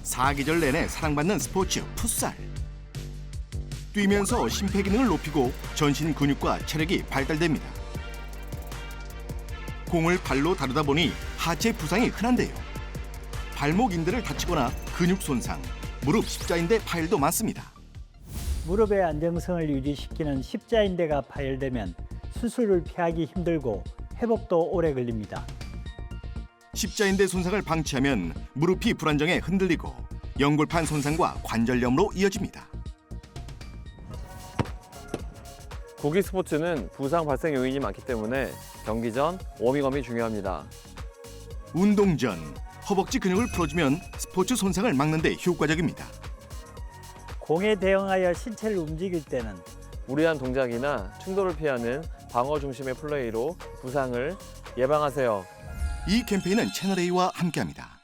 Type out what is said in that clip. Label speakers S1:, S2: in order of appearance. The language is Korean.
S1: 사계절 내내 사랑받는 스포츠 풋살. 뛰면서 심폐기능을 높이고 전신 근육과 체력이 발달됩니다. 공을 발로 다루다 보니 하체 부상이 흔한데요. 발목 인대를 다치거나 근육 손상, 무릎 십자인대 파열도 많습니다.
S2: 무릎의 안정성을 유지시키는 십자인대가 파열되면 수술을 피하기 힘들고 회복도 오래 걸립니다.
S1: 십자인대 손상을 방치하면 무릎이 불안정해 흔들리고 연골판 손상과 관절염으로 이어집니다.
S3: 구기 스포츠는 부상 발생 요인이 많기 때문에 경기 전 워밍업이 중요합니다.
S1: 운동 전 허벅지 근육을 풀어주면 스포츠 손상을 막는 데 효과적입니다.
S2: 공에 대응하여 신체를 움직일 때는
S3: 무리한 동작이나 충돌을 피하는 방어 중심의 플레이로 부상을 예방하세요.
S1: 이 캠페인은 채널A와 함께합니다.